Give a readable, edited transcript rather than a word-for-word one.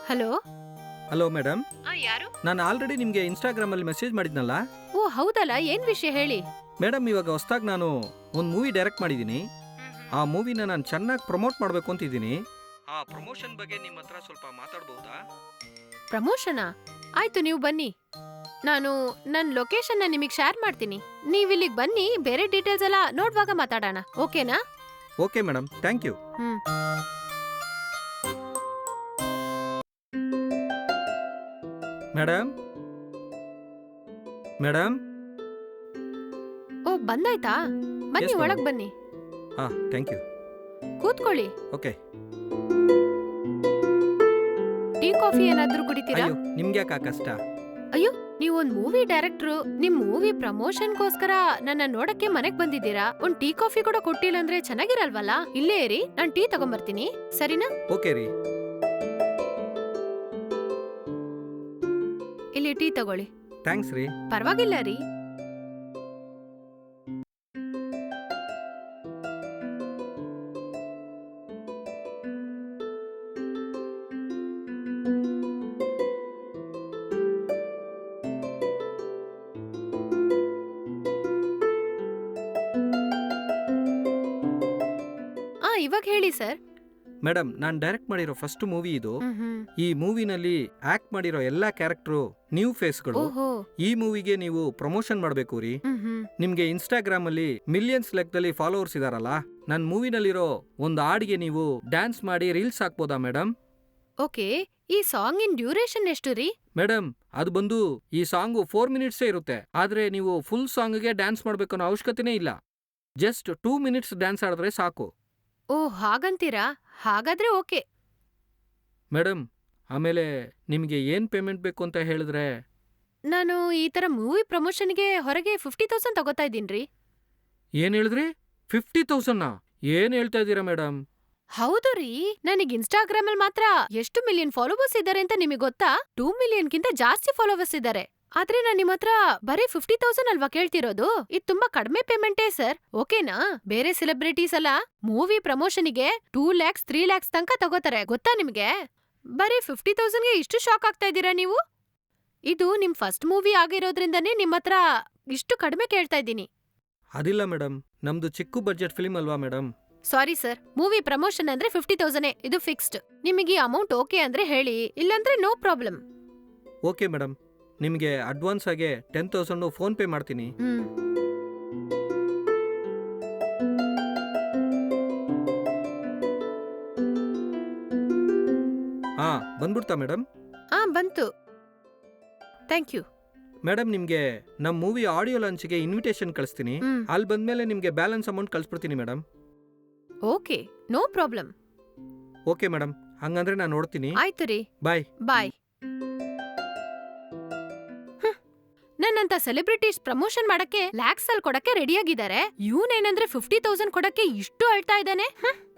Hello. Hello madam, ಯಾರು? ನಾನು already ನಿಮಗೆ ಇನ್ಸ್ಟಾಗ್ರಾಮಲ್ಲಿ ಮೆಸೇಜ್ ಮಾಡಿದ್ನಲ್ಲ. ಓ ಹೌದಲ್ಲ, ಏನ್ ವಿಷಯ ಹೇಳಿ. ಮೇಡಮ್, ಇವಾಗ ಹೊಸ್ದಾಗಿ ನಾನು ಒಂದು ಮೂವಿ ಡೈರೆಕ್ಟ್ ಮಾಡಿದ್ದೀನಿ. ಆ ಮೂವಿನ ನಾನು ಚೆನ್ನಾಗಿ ಪ್ರಮೋಟ್ ಮಾಡಬೇಕು ಅಂತಿದ್ದೀನಿ. ಆ ಪ್ರಮೋಷನ್ ಬಗ್ಗೆ ನಿಮ್ಮ ಹತ್ರ ಸ್ವಲ್ಪ ಮಾತಾಡ್ಬೋದಾ? ಪ್ರಮೋಷನಾ? ಆಯ್ತು, ನೀವು ಬನ್ನಿ. ನಾನು ನನ್ನ ಲೊಕೇಶನ್ನ ನಿಮಗೆ ಶೇರ್ ಮಾಡ್ತೀನಿ. ನೀವು ಇಲ್ಲಿಗೆ ಬನ್ನಿ, ಬೇರೆ ಡೀಟೇಲ್ಸ್ ಎಲ್ಲ ನೋಡುವಾಗ ಮಾತಾಡೋಣ. ಓಕೆನಾ? Okay madam, thank you. Madam madam ಓ ಬಂದಾಯ್ತಾ? ಬನ್ನಿ, Yes, madam. ಒಳಗ್ ಬನ್ನಿ, ಹಾಂ, ಥ್ಯಾಂಕ್ ಯು. ಕೂತ್ಕೊಳ್ಳಿ. ಓಕೆ. ಟೀ ಕಾಫಿ ಏನಾದ್ರೂ ಕುಡಿತೀರಾ? ಅಯ್ಯೋ, ನಿಮ್ಗೆ ಯಾಕೆ ಕಷ್ಟ? ಅಯ್ಯೋ, ನೀವೊಂದ್ ಮೂವಿ ಡೈರೆಕ್ಟ್ರು, ನಿಮ್ ಮೂವಿ ಪ್ರಮೋಷನ್ಗೋಸ್ಕರ ನನ್ನ ನೋಡಕ್ಕೆ ಮನೆಗ್ ಬಂದಿದ್ದೀರಾ. ಒಂದ್ ಟೀ ಕಾಫಿ ಕೂಡ ಕೊಟ್ಟಿಲ್ಲ ಅಂದ್ರೆ ಚೆನ್ನಾಗಿರಲ್ವಲ್ಲ? ಇಲ್ಲೇ ಇರಿ, ನಾನ್ ಟೀ ತಗೊಂಬರ್ತೀನಿ, ಸರಿನಾ? ಓಕೆ ರೀ. ಇಲ್ಲಿ ಟೀ ತಗೊಳ್ಳಿ. ಥ್ಯಾಂಕ್ಸ್ ರೀ. ಪರವಾಗಿಲ್ಲ ರೀ. ಇವಾಗ ಹೇಳಿ ಸರ್. ಮೇಡಮ್, ನಾನು ಡೈರೆಕ್ಟ್ ಮಾಡಿರೋ ಫಸ್ಟ್ ಮೂವಿ ಇದು. ಹ್ಮ್. ಈ ಮೂವಿನಲ್ಲಿ ಆಕ್ಟ್ ಮಾಡಿರೋ ಎಲ್ಲಾ ಕ್ಯಾರೆಕ್ಟರ್ ನ್ಯೂ ಫೇಸ್ಗಳು. ಓಹೋ. ಈ ಮೂವಿಗೆ ನೀವು ಪ್ರಮೋಷನ್ ಮಾಡಬೇಕು ರೀ. ನಿಮ್ಗೆ ಇನ್ಸ್ಟಾಗ್ರಾಮ್ ಅಲ್ಲಿ ಮಿಲಿಯನ್ಸ್ ಲೆಕ್ಕದಲ್ಲಿ ಫಾಲೋವರ್ಸ್ ಇದಾರಲ್ಲ, ನನ್ನ ಮೂವಿನಲ್ಲಿರೋ ಒಂದು ಹಾಡಿಗೆ ನೀವು ಡ್ಯಾನ್ಸ್ ಮಾಡಿ ರೀಲ್ಸ್ ಹಾಕ್ಬೋದಾ ಮೇಡಮ್? ಓಕೆ, ಈ ಸಾಂಗ್ ಇನ್ ಡ್ಯೂರೇಷನ್ ಎಷ್ಟು ರೀ? ಮೇಡಮ್, ಅದು ಬಂದು ಈ ಸಾಂಗು 4 ಮಿನಿಟ್ಸೇ ಇರುತ್ತೆ. ಆದ್ರೆ ನೀವು ಫುಲ್ ಸಾಂಗ್ಗೆ ಡ್ಯಾನ್ಸ್ ಮಾಡ್ಬೇಕನ್ನೋ ಅವಶ್ಯಕತೆನೇ ಇಲ್ಲ. ಜಸ್ಟ್ 2 ಮಿನಿಟ್ಸ್ ಡ್ಯಾನ್ಸ್ ಆಡಿದ್ರೆ ಸಾಕು. ಓ ಹಾಗಂತೀರಾ? ಹಾಗಾದ್ರೆ ಓಕೆ. ಮೇಡಮ್, ಆಮೇಲೆ ನಿಮಗೆ ಏನ್ ಪೇಮೆಂಟ್ ಬೇಕು ಅಂತ ಹೇಳಿದ್ರೆ? ನಾನು ಈ ತರ ಮೂವಿ ಪ್ರಮೋಷನ್ಗೆ ಹೊರಗೆ 50,000 ತಗೋತಾ ಇದ್ದೀನ್ರಿ. ಏನ್ ಹೇಳಿದ್ರಿ? 50,000? ಏನ್ ಹೇಳ್ತಾ ಇದ್ದೀರಾ ಮೇಡಮ್? ಹೌದು ರೀ, ನನಗ್ ಇನ್ಸ್ಟಾಗ್ರಾಮ್ ಅಲ್ಲಿ ಮಾತ್ರ ಎಷ್ಟು ಮಿಲಿಯನ್ ಫಾಲೋವರ್ಸ್ ಇದ್ದಾರೆ ಅಂತ ನಿಮಗೆ ಗೊತ್ತಾ? 2 ಮಿಲಿಯನ್ಗಿಂತ ಜಾಸ್ತಿ ಫಾಲೋವರ್ಸ್ ಇದ್ದಾರೆ. ಆದ್ರೆ ನಾನ್ ನಿಮ್ ಹತ್ರ ಬರೀ 50,000 ಅಲ್ವಾ ಕೇಳ್ತಿರೋದು? ಇದು ತುಂಬಾ ಕಡಿಮೆ ಪೇಮೆಂಟೇ ಸರ್, ಓಕೆನಾ? ಬೇರೆ ಸೆಲೆಬ್ರಿಟೀಸ್ ಎಲ್ಲ ಮೂವಿ ಪ್ರಮೋಷನ್ಗೆ 2 lakhs 3 lakhs ತನಕ ತಗೋತಾರೆ, ಗೊತ್ತಾ ನಿಮ್ಗೆ? ಬರೀ 50,000ಗೆ ಇಷ್ಟು ಶಾಕ್ ಆಗ್ತಾ ಇದ್ದೀರಾ ನೀವು? ಇದು ನಿಮ್ ಫಸ್ಟ್ ಮೂವಿ ಆಗಿರೋದ್ರಿಂದನೇ ನಿಮ್ ಹತ್ರ ಇಷ್ಟು ಕಡಿಮೆ ಕೇಳ್ತಾ ಇದ್ದೀನಿ. ಅದಿಲ್ಲ ಮೇಡಮ್, ನಮ್ದು ಚಿಕ್ಕ ಬಡ್ಜೆಟ್ ಫಿಲ್ಮ್ ಅಲ್ವಾ madam. Sorry sir, movie promotion ಅಂದ್ರೆ 50,000 ಇದು ಫಿಕ್ಸ್ಡ್. ನಿಮಗೆ ಈ ಅಮೌಂಟ್ ಓಕೆ ಅಂದ್ರೆ ಹೇಳಿ, ಇಲ್ಲಾಂದ್ರೆ ನೋ ಪ್ರಾಬ್ಲಮ್. ಓಕೆ ಮೇಡಮ್, ನಿಮಗೆ ಅಡ್ವಾನ್ಸ್ ಆಗಿ 10,000 ಫೋನ್ ಪೇ ಮಾಡ್ತೀನಿ. ಹಾ, ಬಂದ್ಬಿಡ್ತಾ ಮೇಡಮ್? ಬಂತು, ಥ್ಯಾಂಕ್ ಯು. ಮೇಡಮ್, ನಿಮಗೆ ನಮ್ಮ ಮೂವಿ ಆಡಿಯೋ ಲಾಂಚ್ಗೆ ಇನ್ವಿಟೇಷನ್ ಕಳಿಸ್ತೀನಿ. ಅಲ್ಲಿ ಬಂದ್ಮೇಲೆ ನಿಮಗೆ ಬ್ಯಾಲೆನ್ಸ್ ಅಮೌಂಟ್ ಕಳಿಸ್ಬಿಡ್ತೀನಿ madam. Okay, no problem. Okay madam, ಹಂಗಂದ್ರೆ ನಾನು ನೋಡ್ತೀನಿ. ಆಯ್ತು ರೀ, ಬಾಯ್. ಬಾಯ್. ನನ್ನಂತ ಸೆಲೆಬ್ರಿಟೀಸ್ ಪ್ರಮೋಷನ್ ಮಾಡಕ್ಕೆ ಲ್ಯಾಕ್ಸ್ ಅಲ್ಲಿ ಕೊಡಕ್ಕೆ ರೆಡಿಯಾಗಿದ್ದಾರೆ. ಇವನೇನಂದ್ರೆ 50,000 ಕೊಡಕ್ಕೆ ಇಷ್ಟು ಅಳ್ತಾ ಇದ್ದಾನೆ.